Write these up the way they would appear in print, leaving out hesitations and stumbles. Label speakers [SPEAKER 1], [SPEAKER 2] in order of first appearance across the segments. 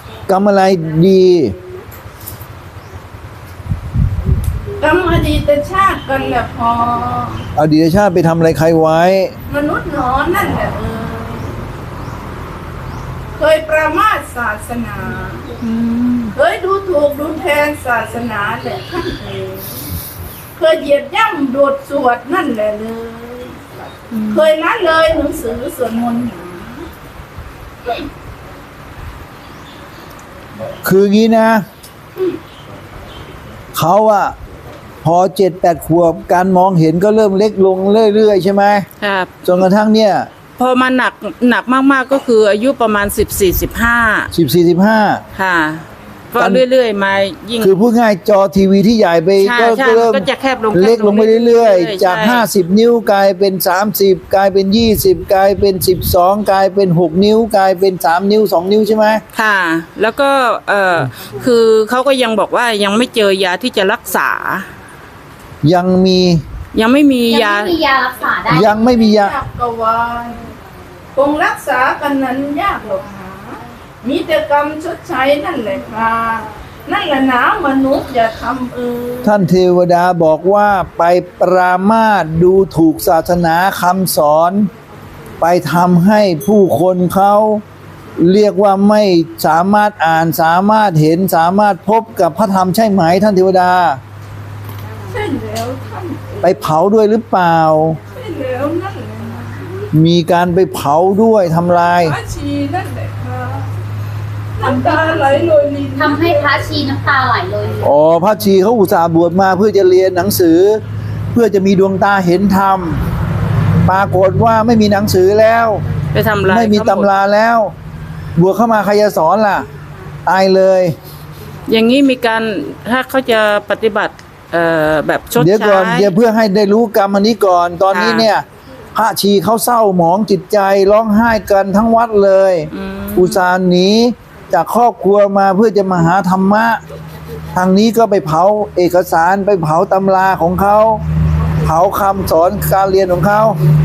[SPEAKER 1] กรรมอะไรดี
[SPEAKER 2] กรรมอดีตชาติกันแหละพอ
[SPEAKER 1] อดีตชาติไปทำอะไรใครไว้
[SPEAKER 2] มนุษย์หนอนั่นแหละเคยประมาทศาสนาเคยดูถูกดูแทนศาสนาแหละท่านเคยเหยียดย่ำโดดสวดนั่นแหละเลยเคยละเลยหนังสือสวดมนต์หนา
[SPEAKER 1] คืองี้นะ เขาอะพอ7-8 ขวบการมองเห็นก็เริ่มเล็กลงเรื่อยๆใช่ไหม
[SPEAKER 3] ครับ
[SPEAKER 1] จนกระทั่งเนี่ย
[SPEAKER 3] พอมาหนักมากๆก็คืออายุประมาณ14-15
[SPEAKER 1] 14-15
[SPEAKER 3] ค่ะก็เรื่อยๆมายิ่ง
[SPEAKER 1] คือพูดง่ายจอทีวีที่ใหญ่ไป
[SPEAKER 3] ใช่
[SPEAKER 1] ก็
[SPEAKER 3] ใช่
[SPEAKER 1] เริ่ม
[SPEAKER 3] ก็จะแคบลง
[SPEAKER 1] เล็กลงไปเรื่อยๆ
[SPEAKER 3] ใช่
[SPEAKER 1] จาก50 นิ้วกลายเป็น30กลายเป็น20กลายเป็น12กลายเป็น6นิ้วกลายเป็น3นิ้ว2นิ้วใช่ไหม
[SPEAKER 3] ค่ะ แล้วก็คือเขาก็ยังบอกว่ายังไม่เจอยาที่จะรักษา
[SPEAKER 1] ยังไม่มียา
[SPEAKER 4] ยังไม่มียารักษาได้
[SPEAKER 1] ยังไม่มียา
[SPEAKER 2] ยากกวายคงรักษากันนั้นยากหรอกหามีแต่กรรมชดใช้นั่นแหละครับนั่นแหละนะมนุษย์อย่าทำ
[SPEAKER 1] ท่านเทวดาบอกว่าไปปรามาสดูถูกศาสนาคำสอน ไปทำให้ผู้คนเขาเรียกว่าไม่สามารถอ่านสามารถเห็นสามารถพบกับพระธรรมใช่ไหมท่านเทวดา
[SPEAKER 2] ใช่แล้วท่าน
[SPEAKER 1] ไปเผาด้วยหรือเปล่า
[SPEAKER 2] ใช่แล้วนั่นแหละนะ
[SPEAKER 1] มีการไปเผาด้วยทำลาย
[SPEAKER 2] พระชีนั่นแหละครับน้ำตาไหลโรยลิน
[SPEAKER 4] ทำให้พระชีน้ำตาไหลเลย
[SPEAKER 1] อ๋อพระชีเขาอุตส่าห์บวชมาเพื่อจะเรียนหนังสือ เพื่อจะมีดวงตาเห็นธรรม ปรากฏว่าไม่มีหนังสือแล้ว
[SPEAKER 3] ไปทำลาย
[SPEAKER 1] ไม่มี
[SPEAKER 3] เขาหด
[SPEAKER 1] ตำราแล้ว บวชเข้ามาใครจะสอนล่ะ ตายเลย
[SPEAKER 3] อย่างนี้มีการถ้าเขาจะปฏิบัติแบบชด
[SPEAKER 1] เดี๋ยว
[SPEAKER 3] ใช้
[SPEAKER 1] ก่อนเดี๋ยวเพื่อให้ได้รู้กรรมอันนี้ก่อน ตอนนี้
[SPEAKER 3] ค่ะ
[SPEAKER 1] เนี่ย พระชีเขาเศร้าหมองจิตใจร้องไห้กันทั้งวัดเลย อุตส่าห์หนีจากครอบครัวมาเพื่อจะมาหาธรรมะ ทางนี้ก็ไปเผาเอกสารไปเผาตำราของเขา เผาคำสอนการเรียนของเขา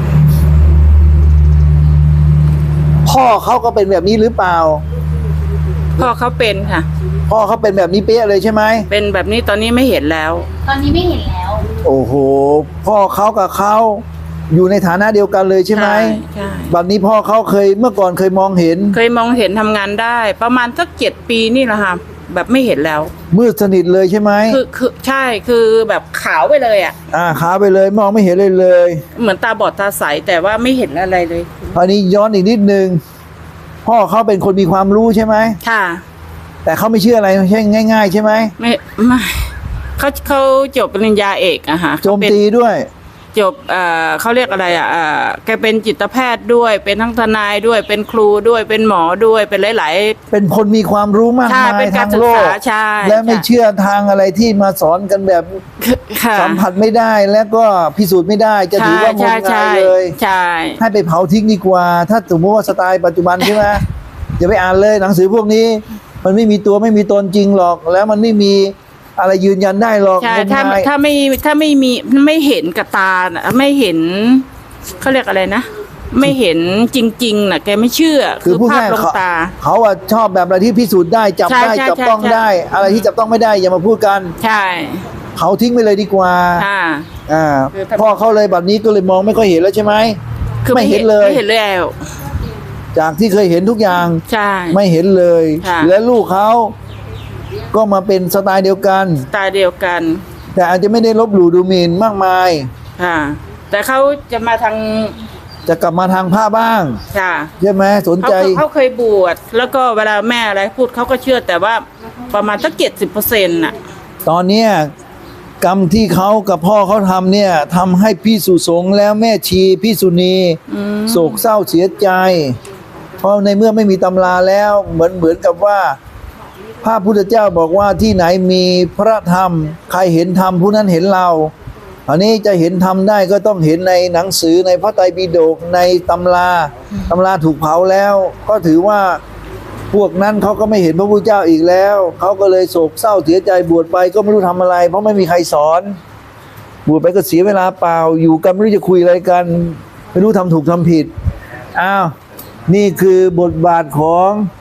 [SPEAKER 1] พ่อเขาก็เป็นแบบนี้หรือเปล่า
[SPEAKER 3] พ่อเขาเป็นค่ะ
[SPEAKER 1] พ่อเขาเป็นแบบนี้เป๊ะเลยใช่ไหม
[SPEAKER 3] เป็นแบบนี้ตอนนี้ไม่เห็นแล้ว
[SPEAKER 4] ตอนนี้ไม่เห็นแล้ว
[SPEAKER 1] โอ้โห พ่อเขากับเขาอยู่ในฐานะเดียวกันเลยใช่ไหม
[SPEAKER 3] ใช่
[SPEAKER 1] บัดนี้พ่อเขาเคยเมื่อก่อนเคยมองเห็น
[SPEAKER 3] เคยมองเห็นทำงานได้ ประมาณสัก7 ปีนี่แหละค่ะแบบไม่เห็นแล้ว
[SPEAKER 1] มืดสนิทเลยใช่ไหม
[SPEAKER 3] คือใช่คือแบบขาวไปเลยอ่ะ
[SPEAKER 1] ขาไปเลยมองไม่เห็นเลยเลย
[SPEAKER 3] เหมือนตาบอดตาใสแต่ว่าไม่เห็นอะไรเลย
[SPEAKER 1] คราวนี้ย้อนอีกนิดนึงพ่อเขาเป็นคนมีความรู้ใช่ไหม
[SPEAKER 3] ค่ะ
[SPEAKER 1] แต่เขาไม่เชื่ออะไรใช่ง่าย ๆ ใช่ไหม
[SPEAKER 3] ไม่เขาจบปริญญาเอกอะค่ะ
[SPEAKER 1] โจมตีด้วย
[SPEAKER 3] จบเขาเรียกอะไรอะแกเป็นจิตแพทย์ด้วยเป็นทั้งทนายด้วยเป็นครูด้วยเป็นหมอด้วยเป็นหลาย
[SPEAKER 1] เป็นคนมีความรู้มาก
[SPEAKER 3] ใช่
[SPEAKER 1] มาย
[SPEAKER 3] เป็นกา
[SPEAKER 1] ทาร ง
[SPEAKER 3] ศึ
[SPEAKER 1] โล
[SPEAKER 3] ก
[SPEAKER 1] ก
[SPEAKER 3] ษาใช่
[SPEAKER 1] และไม่
[SPEAKER 3] ใช่
[SPEAKER 1] เชื่อทางอะไรที่มาสอนกันแบบ
[SPEAKER 3] ค่ะ
[SPEAKER 1] สัมผัสไม่ได้และก็พิสูจน์ไม่ได้จะถือว่างมงายเลย
[SPEAKER 3] ใช่
[SPEAKER 1] ให้ไปเผาทิ้งดีกว่า ถ้าสมมติว่าสไตล์ปัจจุบันใช่ไหม อย่าไปอ่านเลยหนังสือพวกนี้ มันไม่มีตัวไม่มีตนจริงหรอก แล้วมันไม่มีอะไรยืนยันได้หรอก
[SPEAKER 3] ใช่
[SPEAKER 1] งมงาย
[SPEAKER 3] ถ้าไม่มีไม่เห็นกับตาน่ะไม่เห็นเขาเรียกอะไรนะ ไม่เห็นจริงๆน่ะแกไม่เชื่อ
[SPEAKER 1] คือพูด
[SPEAKER 3] ภาพ
[SPEAKER 1] ง่าย
[SPEAKER 3] ลง
[SPEAKER 1] เขา
[SPEAKER 3] ตา
[SPEAKER 1] เขาอะชอบแบบอะไรที่พิสูจน์ได้จับ
[SPEAKER 3] ใช่
[SPEAKER 1] ได้
[SPEAKER 3] ใช่
[SPEAKER 1] จับต้อง
[SPEAKER 3] ใช่
[SPEAKER 1] ได้ อะไรที่จับต้องไม่ได้อย่ามาพูดกัน
[SPEAKER 3] ใช่
[SPEAKER 1] เผาทิ้งไปเลยดีกว่า
[SPEAKER 3] ค่ะ
[SPEAKER 1] อ่า
[SPEAKER 3] คือถ้า
[SPEAKER 1] พ่อเขาเลยแบบนี้ก็เลยมองไม่ค่อยเห็นแล้วใช่ไหม
[SPEAKER 3] คือ
[SPEAKER 1] ไม่เห็นเลย
[SPEAKER 3] ไม่เห็นแล้ว
[SPEAKER 1] จากที่เคยเห็นทุกอย่าง
[SPEAKER 3] ใช่
[SPEAKER 1] ไม่เห็นเลย
[SPEAKER 3] ค่ะ
[SPEAKER 1] และลูกเขาก็มาเป็นสไตล์เดียวกัน
[SPEAKER 3] ตาเดียวกัน
[SPEAKER 1] แต่อาจจะไม่ได้ลบหลู่ดูหมิ่นมากมาย
[SPEAKER 3] ค่ะ แต่เขาจะมาทาง
[SPEAKER 1] จะกลับมาทางผ้าบ้าง
[SPEAKER 3] ค่ะ
[SPEAKER 1] ใช่ไหมสนใจ
[SPEAKER 3] เขาเคยบวชแล้วก็เวลาแม่อะไรพูดเขาก็เชื่อแต่ว่าประมาณสัก70%น่ะ
[SPEAKER 1] ตอนเนี้ยกรรมที่เขากับพ่อเขาทำเนี่ยทำให้พี่สุสงฆ์แล้วแม่ชีพี่สุนีโศกเศร้าเสียใจ เพราะในเมื่อไม่มีตำราแล้วเหมือนกับว่าพระพุทธเจ้าบอกว่าที่ไหนมีพระธรรม ใครเห็นธรรมผู้นั้นเห็นเรา อันนี้จะเห็นธรรมได้ก็ต้องเห็นในหนังสือในพระไตรปิฎกในตำราถูกเผาแล้ว ก็ถือว่าพวกนั้นเขาก็ไม่เห็นพระพุทธเจ้าอีกแล้วเขาก็เลยโศกเศร้าเสียใจบวชไปก็ไม่รู้ทำอะไร เพราะไม่มีใครสอนบวชไปก็เสียเวลาเปล่าอยู่กันไม่รู้จะคุยอะไรกัน ไม่รู้ทำถูกทำผิดอ้าวนี่คือบทบาทของ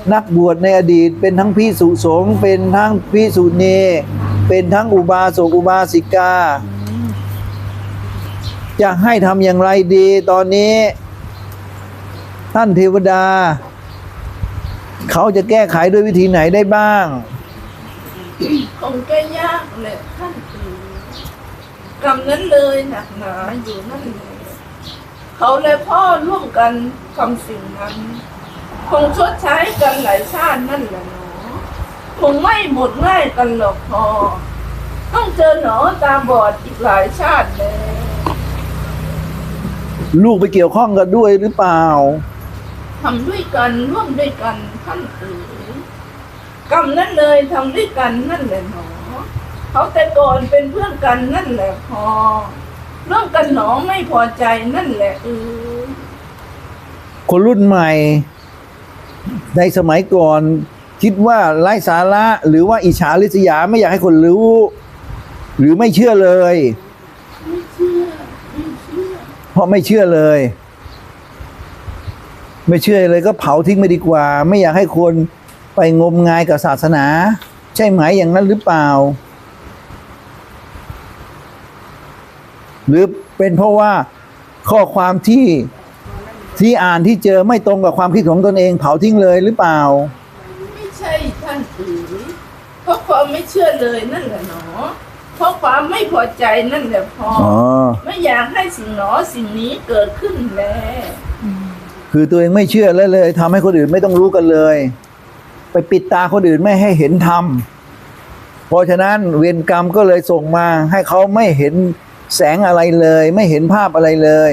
[SPEAKER 1] นักบวชในอดีตเป็นทั้งภิกษุสงฆ์เป็นทั้งภิกษุณีเป็นทั้งอุบาสกอุบาสิกา จะให้ทำอย่างไรดีตอนนี้ ท่านเทวดา เขาจะแก้ไขด้วยวิธีไหนได้บ้าง
[SPEAKER 2] คงจะยากแหละท่านเอ๋ยกรรมนั้นเลยหนักหนาอยู่นั่นแหละเขาและพ่อร่วมกันทำสิ่งนั้น คงชดใช้กันหลายชาตินั่นแหละหนอคงไม่หมดง่ายกันหรอกพอ ต้องเจอหนอตาบอดอีกหลายชาติเลย
[SPEAKER 1] ลูกไปเกี่ยวข้องกันด้วยหรือเปล่า
[SPEAKER 2] ทำด้วยกันร่วมด้วยกันท่านเอ๋ยกรรมนั้นเลยทำด้วยกันนั่นแหละหนอเขาแต่ก่อนเป็นเพื่อนกันนั่นแหละพอเรื่องกันหนอไม่พอใจนั่นแหละ
[SPEAKER 1] คนรุ่นใหม่ ในสมัยก่อนคิดว่าไร้สาระหรือว่าอิจฉาริษยาไม่อยากให้คนรู้ หรือไม่เชื่อเลย
[SPEAKER 2] ไม่เชื่อ
[SPEAKER 1] เพราะไม่เชื่อเลย ไม่เชื่อเลยก็เผาทิ้งไปดีกว่า ไม่อยากให้คนไปงมงายกับศาสนา ใช่ไหมอย่างนั้นหรือเปล่า หรือเป็นเพราะว่าข้อความที่อ่านที่เจอไม่ตรงกับความคิดของตนเองเผาทิ้งเลยหรือเปล่า
[SPEAKER 2] ไม่ใช่ท่านเอ๋ยเพราะความไม่เชื่อเลยนั่นแหละหนอเพราะความไม่พอใจนั่นแหละพอไม่อยากให้สิ่งหนอสิ่งนี้เกิดขึ้นแล้ว
[SPEAKER 1] คือตัวเองไม่เชื่อแล้วเลยทำให้คนอื่นไม่ต้องรู้กันเลย ไปปิดตาคนอื่นไม่ให้เห็นธรรมเพราะฉะนั้นเวรกรรมก็เลยส่งมาให้เขาไม่เห็นแสงอะไรเลย ไม่เห็นภาพอะไรเลย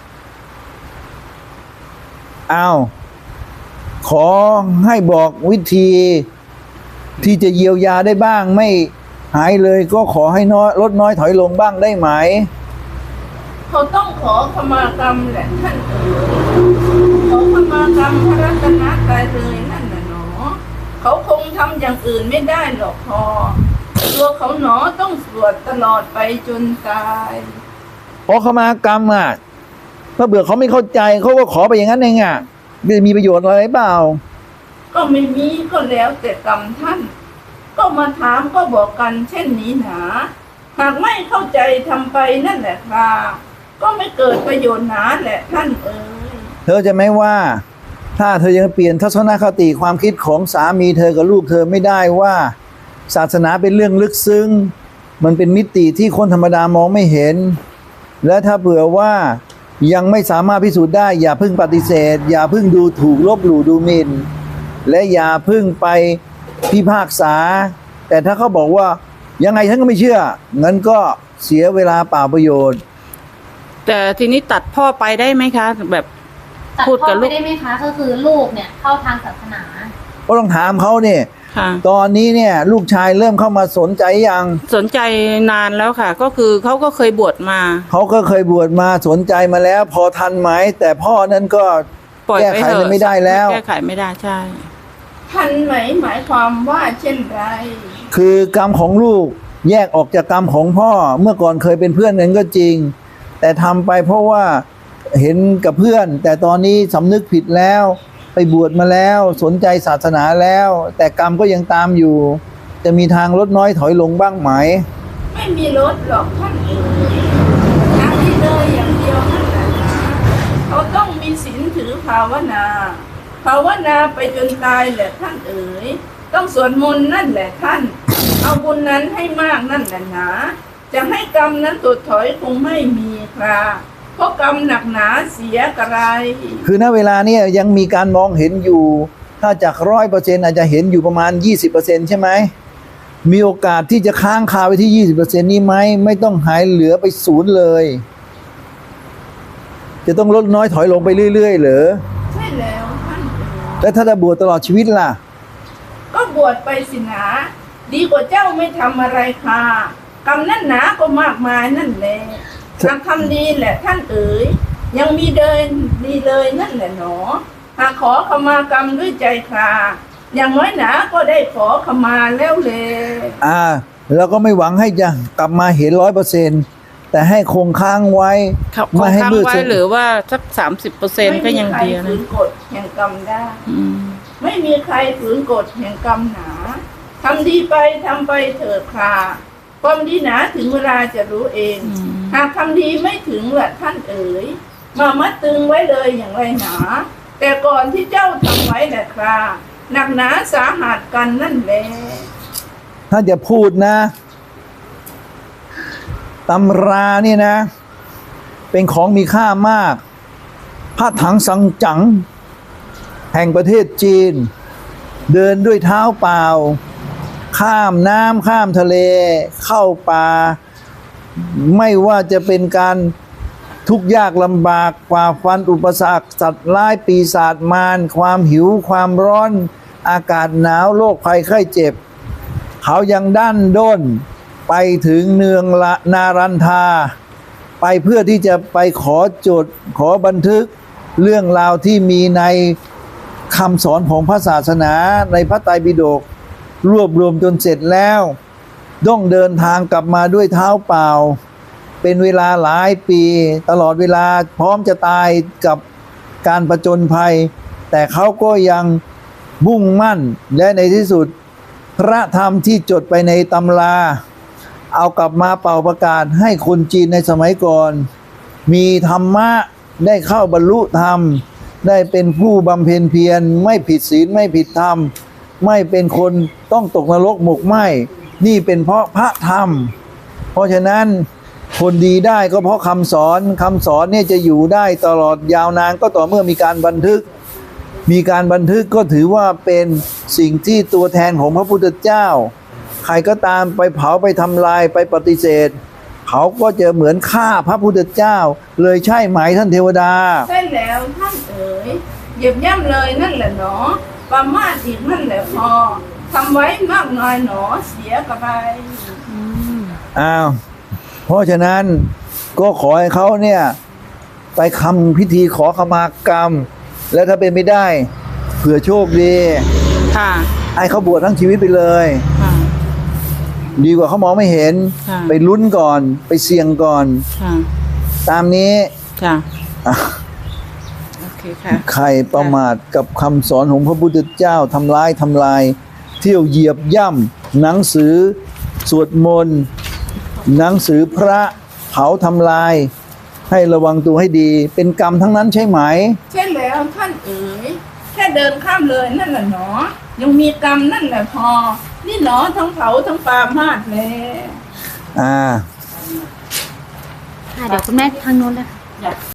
[SPEAKER 1] อ้าวขอให้บอกวิธีที่จะเยียวยาได้บ้าง ไม่หายเลยก็ขอให้ลดน้อยถอยลงบ้างได้ไหม
[SPEAKER 2] เขาต้องขอขมากรรมแหละท่านเอ๋ยขอขมากรรมพระรัตนตรัยเลยนั่นน่ะหนอเขาคงทำอย่างอื่นไม่ได้หรอกพอตัวเขาหนอต้องสวดตลอดไปจนตาย
[SPEAKER 1] ขอขมากรรมอ่ะถ้าเบื่อเขาไม่เข้าใจเขาก็ขอไปอย่างนั้นเองอ่ะจะมีประโยชน์อะไรเปล่า
[SPEAKER 2] ก็ไม่มีก็แล้วแต่กรรมท่านก็มาถามก็บอกกันเช่นนี้หนาหากไม่เข้าใจทำไปนั่นแหละค่ะก็ไม่เกิดประโยชน์หนาแหละท่านเอ๋ย
[SPEAKER 1] เธอจะไม่ว่าถ้าเธอยังเปลี่ยนทัศนคติความคิดของสามีเธอกับลูกเธอไม่ได้ว่าศาสนาเป็นเรื่องลึกซึ้งมันเป็นมิติที่คนธรรมดามองไม่เห็นและถ้าเผื่อว่ายังไม่สามารถพิสูจน์ได้อย่าเพิ่งปฏิเสธอย่าเพิ่งดูถูกลบหลู่ดูหมิ่นและอย่าเพิ่งไปพิพากษาแต่ถ้าเขาบอกว่ายังไงฉันก็ไม่เชื่องั้นก็เสียเวลาเปล่าประโยชน์
[SPEAKER 3] แต่ทีนี้ตัดพ่อไปได้ไหมคะแบบ
[SPEAKER 4] พูดกับลูกได้ไหมคะก็คือลูกเนี่ยเข้าทางศาสนา
[SPEAKER 1] ก็ต้องถามเขาเนี่ยตอนนี้เนี่ยลูกชายเริ่มเข้ามาสนใจยัง
[SPEAKER 3] สนใจนานแล้วค่ะก็คือเขาก็เคยบวชมา
[SPEAKER 1] เขาก็เคยบวชมาสนใจมาแล้วพอทันไหมแต่พ่อนั้นก็แก้ไขไม่ได้แล้ว
[SPEAKER 3] แก้ไขไม่ได้ใช่
[SPEAKER 2] ทันไหมหมายความว่าเช่นไร
[SPEAKER 1] คือกรรมของลูกแยกออกจากกรรมของพ่อเมื่อก่อนเคยเป็นเพื่อนกันก็จริงแต่ทำไปเพราะว่าเห็นกับเพื่อนแต่ตอนนี้สำนึกผิดแล้วไปบวชมาแล้วสนใจศาสนาแล้วแต่กรรมก็ยังตามอยู่จะมีทางลดน้อยถอยลงบ้างไหม
[SPEAKER 2] ไม่มีลดหรอกท่านเอ๋ยทางนี้เลยอย่างเดียวนั่นแหละนะเขาต้องมีศีลถือภาวนาไปจนตายแหละท่านเอ๋ยต้องสวดมนต์นั่นแหละท่านเอาบุญนั้นให้มากนั่นแหละนะจะให้กรรมนั้นถดถอยคงไม่มีครับเพราะกรรมหนักหนาเสียกระไร
[SPEAKER 1] คือณเวลานี้ยังมีการมองเห็นอยู่ถ้าจาก 100% อาจจะเห็นอยู่ประมาณ 20% ใช่ไหมมีโอกาสที่จะค้างคาไว้ที่ 20% นี้ไหมไม่ต้องหายเหลือไปศูนย์เลยจะต้องลดน้อยถอยลงไปเรื่อยๆเหรอ
[SPEAKER 2] ใช่แล้วท่าน
[SPEAKER 1] แล้วถ้าจะบวชตลอดชีวิตล่ะ
[SPEAKER 2] ก็บวชไปสินะดีกว่าเจ้าไม่ทำอะไรค่ะกรรมนั่นหนาก็มากมายนั่นแหละหากทำดีแหละท่านเอ๋ยยังมีเดินดีเลยนั่นแหละหนอหากขอขมากรรมด้วยใจคราอย่างน้อยหนาก็ได้ขอขมาแล้วเลย
[SPEAKER 1] แล้วก็ไม่หวังให้จะกลับมาเห็น 100% แต่ให้คงค้างไว้
[SPEAKER 3] ไม่ให้มืดหรือว่าสัก 30% ก็ยังดีนะ
[SPEAKER 2] กฎแห่งกรรมได้ไม่มีใครฝืนกฎแห่งกรรมหนาทำดีไปทำไปเถิดคราความดีหนาถึงเวลาจะรู้เอง หากทำดีไม่ถึงละท่านเอ๋ยมามัดตึงไว้เลยอย่างไรหนาแต่ก่อนที่เจ้าทำไว้แหละคราหนักหนาสาหัสกันนั่นแหละ
[SPEAKER 1] ถ้าจะพูดนะตำรานี่นะ เป็นของมีค่ามากพระถังสังจั๋งแห่งประเทศจีน เดินด้วยเท้าเปล่า ข้ามน้ำข้ามทะเลเข้าป่า ไม่ว่าจะเป็นการทุกข์ยากลำบากฝ่าฟันอุปสรรคสัตว์ร้ายปีศาจมารความหิวความร้อนอากาศหนาวโรคภัยไข้เจ็บ เขายังดั้นด้นไปถึงเนืองละนารันทา ไปเพื่อที่จะไปขอจดขอบันทึกเรื่องราวที่มีในคำสอนของพระศาสนาในพระไตรปิฎกรวบรวมจนเสร็จแล้วต้องเดินทางกลับมาด้วยเท้าเปล่า เป็นเวลาหลายปีตลอดเวลาพร้อมจะตายกับการประจนภัย แต่เขาก็ยังมุ่งมั่นและในที่สุดพระธรรมที่จดไปในตำราเอากลับมาเป่าประกาศให้คนจีนในสมัยก่อน มีธรรมะได้เข้าบรรลุธรรม ได้เป็นผู้บำเพ็ญเพียรไม่ผิดศีลไม่ผิดธรรม ไม่เป็นคนต้องตกนรกหมกไหมนี่เป็นเพราะพระธรรม เพราะฉะนั้นคนดีได้ก็เพราะคำสอนเนี่ยจะอยู่ได้ตลอดยาวนานก็ต่อเมื่อมีการบันทึก มีการบันทึกก็ถือว่าเป็นสิ่งที่ตัวแทนของพระพุทธเจ้าใครก็ตามไปเผาไปทำลายไปปฏิเสธเขาก็จะเหมือนฆ่าพระพุทธเจ้าเลยใช่ไหมท่านเทวดา
[SPEAKER 2] ใช่แล้วท่านเอ๋ยเหยียบย่ำเลยนั่นแหละหนอประมาทอีกนั่นแหละพอทำไว้มากน้อยหนอเสียกับไป
[SPEAKER 1] อ้าวเพราะฉะนั้นก็ขอให้เขาเนี่ยไปทำพิธีขอขมากรรม และถ้าเป็นไม่ได้เผื่อโชคดี
[SPEAKER 3] ค่ะ
[SPEAKER 1] ให้เขาบวชทั้งชีวิตไปเลย
[SPEAKER 3] ค่ะ
[SPEAKER 1] ดีกว่าเขามองไม่เห็น
[SPEAKER 3] ค่ะ
[SPEAKER 1] ไปลุ้นก่อนไปเสี่ยงก่อน
[SPEAKER 3] ค่ะ
[SPEAKER 1] ตามนี้
[SPEAKER 3] ค่ะ
[SPEAKER 1] อ่ะ
[SPEAKER 3] โอเคค่ะ
[SPEAKER 1] ใครประมาทกับคำสอนของพระพุทธเจ้าทำลายเที่ยวเหยียบย่ำหนังสือสวดมนต์หนังสือพระเผาทำลาย ให้ระวังตัวให้ดีเป็นกรรมทั้งนั้นใช่ไหม
[SPEAKER 2] ใช่แล้วท่านเอ๋ยแค่เดินข้ามเลยนั่นแหละหนอยังมีกรรมนั่นแหละพอนี่หนอทั้งเผาทั้งปามาดเลย
[SPEAKER 4] ค่ะเดี๋ยวคุณแม่ทางโน้นเลยค่ะ